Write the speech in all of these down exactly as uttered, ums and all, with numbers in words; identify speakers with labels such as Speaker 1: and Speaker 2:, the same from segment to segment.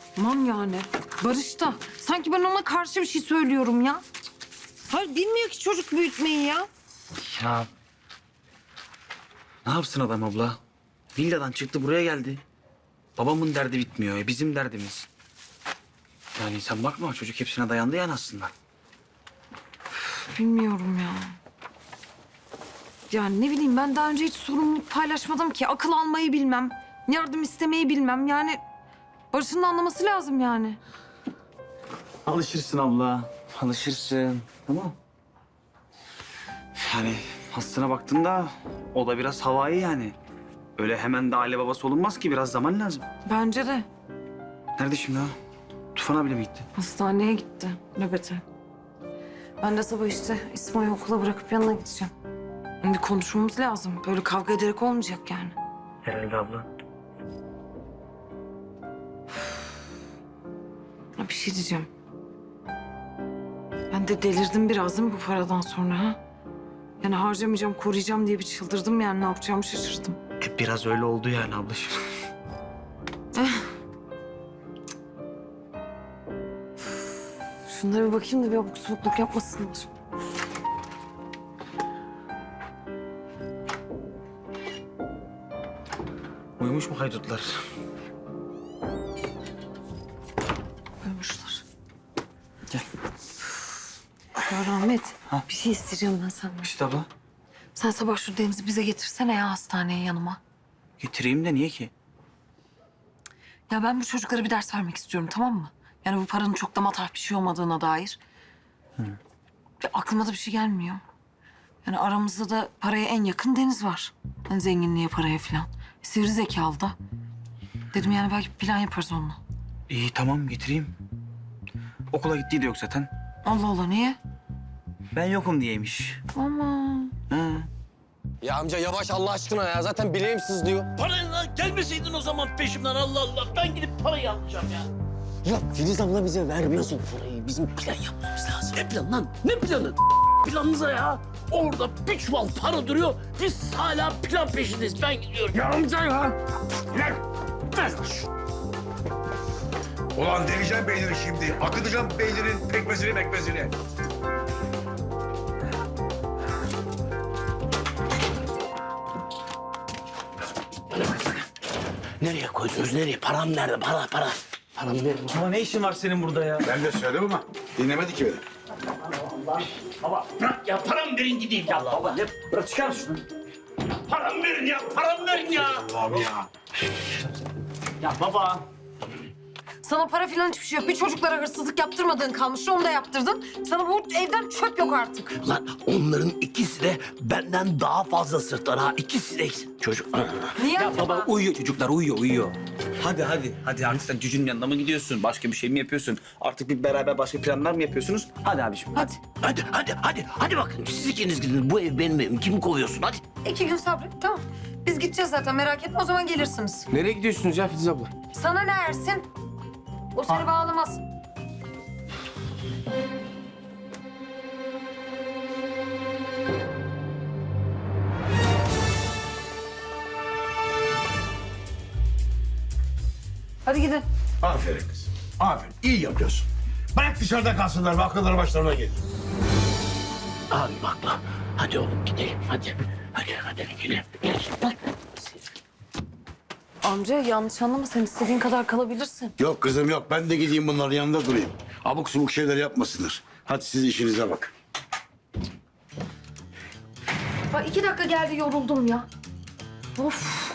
Speaker 1: Aman yani. Barış da. Sanki ben ona karşı bir şey söylüyorum ya. Hayır bilmiyor ki çocuk büyütmeyi ya.
Speaker 2: Ya ne yapsın adam abla? Villadan çıktı buraya geldi. Babamın derdi bitmiyor. E bizim derdimiz. Yani sen bakma çocuk hepsine dayandı yani aslında.
Speaker 1: Bilmiyorum ya. Yani ne bileyim ben daha önce hiç sorumluluk paylaşmadım ki. Akıl almayı bilmem. Yardım istemeyi bilmem. Yani Barış'ın da anlaması lazım yani.
Speaker 2: Alışırsın abla. Alışırsın. Tamam. Yani aslına baktığında o da biraz havai yani. Öyle hemen de aile babası olunmaz ki biraz zaman lazım.
Speaker 1: Bence de.
Speaker 2: Nerede şimdi o? Tufan abiyle mi gitti?
Speaker 1: Hastaneye gitti nöbete. Ben de sabah işte İsmail'i okula bırakıp yanına gideceğim. Bir konuşmamız lazım. Böyle kavga ederek olmayacak yani.
Speaker 2: Herhalde abla.
Speaker 1: Ya bir şey diyeceğim. Ben de delirdim biraz değil mi bu paradan sonra ha? Yani harcamayacağım, koruyacağım diye bir çıldırdım yani. Ne yapacağımı şaşırdım.
Speaker 2: E, biraz öyle oldu yani ablacığım.
Speaker 1: Şunlara bir bakayım da bir abuk subukluk yapmasınlar.
Speaker 2: Uyumuş mu haydutlar?
Speaker 1: Koymuşlar.
Speaker 2: Gel.
Speaker 1: Ya Rahmet,
Speaker 2: Ha?
Speaker 1: bir şey isteyeceğim ben senden.
Speaker 2: İşte abla.
Speaker 1: Sen sabah şu Deniz'i bize getirsene ya hastaneye yanıma.
Speaker 2: Getireyim de niye ki?
Speaker 1: Ya ben bu çocuklara bir ders vermek istiyorum tamam mı? Yani bu paranın çok da matah bir şey olmadığına dair.
Speaker 2: Hı.
Speaker 1: Ya aklıma da bir şey gelmiyor. Yani aramızda da paraya en yakın Deniz var. Yani zenginliğe, paraya falan. Sivri zekalı da. Dedim yani belki bir plan yaparız onunla.
Speaker 2: İyi tamam getireyim. Okula gittiği de yok zaten.
Speaker 1: Allah Allah niye?
Speaker 2: Ben yokum diyeymiş.
Speaker 1: Aman.
Speaker 2: Hı.
Speaker 3: Ya amca yavaş Allah aşkına ya. Zaten bileğim sızlıyor.
Speaker 4: Parayla gelmeseydin o zaman peşimden Allah Allah. Ben gidip parayı alacağım ya.
Speaker 3: Ya Filiz abla bize vermiyorsun parayı. Bizim plan yapmamız lazım.
Speaker 4: Ne plan lan? Ne planı? Planınıza ya. Orada bir çuval para duruyor. Biz hala plan peşindeyiz. Ben gidiyorum.
Speaker 5: Ya amca ya. Ver. Ver. Ulan deleceğim beynini şimdi. Akıtacağım beynin pekmezini mekmezini.
Speaker 4: Nereye koydunuz? Nereye? Param nerede? Para, para. Param nerede?
Speaker 2: Ama ne işin var senin burada ya?
Speaker 5: Ben de söyledim ama dinlemedi ki beni.
Speaker 4: Baba bırak ya. Param verin gideyim ya. Baba.
Speaker 2: Ya bırak çıkar şunu.
Speaker 4: Param verin ya. Param verin ya.
Speaker 5: Allah'ım ya.
Speaker 2: Ya baba.
Speaker 1: Sana para falan hiçbir şey yok. Bir çocuklara hırsızlık yaptırmadığın kalmıştı, onu da yaptırdın. Sana bu evden çöp yok artık.
Speaker 4: Lan onların ikisi de benden daha fazla sırtlar ha. İkisi de çocuk.
Speaker 1: Niye
Speaker 2: Ya
Speaker 1: acaba?
Speaker 2: baba uyuyor çocuklar uyuyor uyuyor. Hadi hadi hadi artık sen cücünün yanına mı gidiyorsun? Başka bir şey mi yapıyorsun? Artık bir beraber başka planlar mı yapıyorsunuz? Hadi abiciğim hadi.
Speaker 4: Hadi, hadi, hadi. Hadi bakın. Siz ikiniz gidin. Bu ev benim evim. Kimi kovuyorsun? Hadi.
Speaker 1: İki gün sabret, tamam. Biz gideceğiz zaten, merak etme. O zaman gelirsiniz.
Speaker 3: Nereye gidiyorsunuz ya Filiz abla?
Speaker 1: Sana ne Ersin? O seni bağlamaz. Hadi gidin.
Speaker 5: Aferin kız. Aferin. İyi yapıyorsun. Bırak dışarıda kalsınlar ve akılları başlarına gelir.
Speaker 4: Abi bak lan. Hadi oğlum gidelim. Hadi. Hadi, hadi gidelim. Gel. Bak.
Speaker 1: Amca yanlış anlama, sen istediğin kadar kalabilirsin.
Speaker 5: Yok kızım yok. Ben de gideyim bunların yanında durayım. Abuk subuk şeyler yapmasınlar. Hadi siz işinize bak.
Speaker 1: Bak iki dakika geldi, yoruldum ya. Of.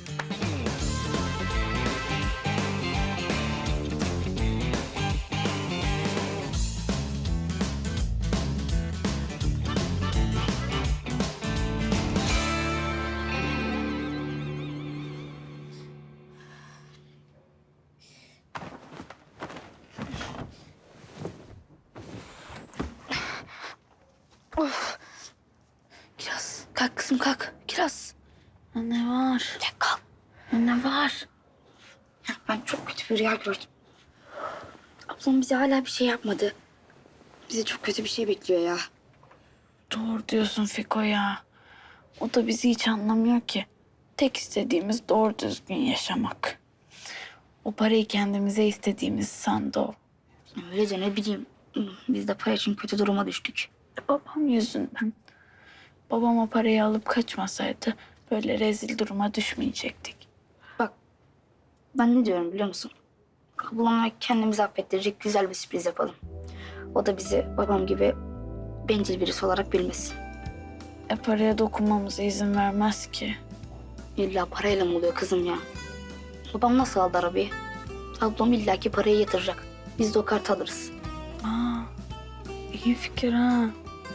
Speaker 6: Kiraz, kalk kızım kalk. Kiraz. Ya ne var? Ya kalk. Ya ne var? Ya ben çok kötü bir rüya gördüm. Ablam bize hala bir şey yapmadı. Bize çok kötü bir şey bekliyor ya.
Speaker 7: Doğru diyorsun Fiko ya. O da bizi hiç anlamıyor ki. Tek istediğimiz doğru düzgün yaşamak. O parayı kendimize istediğimiz sandı o.
Speaker 6: Öylece ne bileyim. Biz de para için kötü duruma düştük.
Speaker 7: Babam yüzünden. Babam o parayı alıp kaçmasaydı böyle rezil duruma düşmeyecektik.
Speaker 6: Bak ben ne diyorum biliyor musun? Ablamla kendimizi affettirecek güzel bir sürpriz yapalım. O da bizi babam gibi bencil birisi olarak bilmesin.
Speaker 7: E paraya dokunmamıza izin vermez ki.
Speaker 6: İlla parayla mı oluyor kızım ya? Babam nasıl aldı arabayı? Ablam illaki parayı yatıracak. Biz de o kartı alırız.
Speaker 7: Aa, iyi fikir ha.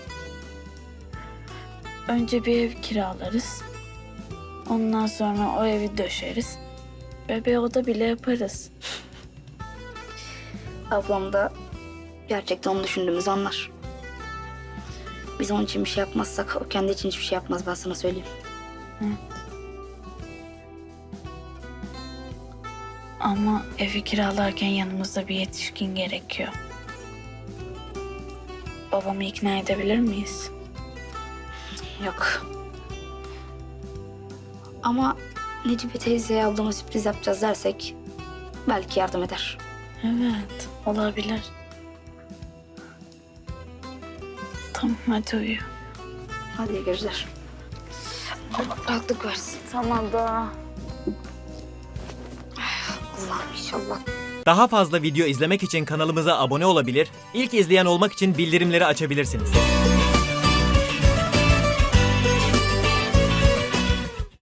Speaker 7: Önce bir ev kiralarız. Ondan sonra o evi döşeriz. Bebeğe oda bile yaparız.
Speaker 6: Ablam da gerçekten onu düşündüğümüzü anlar. Biz onun için bir şey yapmazsak o kendi için hiçbir şey yapmaz, ben sana söyleyeyim.
Speaker 7: Ama evi kiralarken yanımızda bir yetişkin gerekiyor. Babamı ikna edebilir miyiz?
Speaker 6: Yok. Ama Necibe teyzeye ablama sürpriz yapacağız dersek belki yardım eder.
Speaker 7: Evet, olabilir. Tamam, hadi uyu.
Speaker 6: Hadi iyi geceler. Allah rahatlık versin.
Speaker 7: Sana da.
Speaker 6: Allah'ım inşallah.
Speaker 8: Daha fazla video izlemek için kanalımıza abone olabilir, ilk izleyen olmak için bildirimleri açabilirsiniz.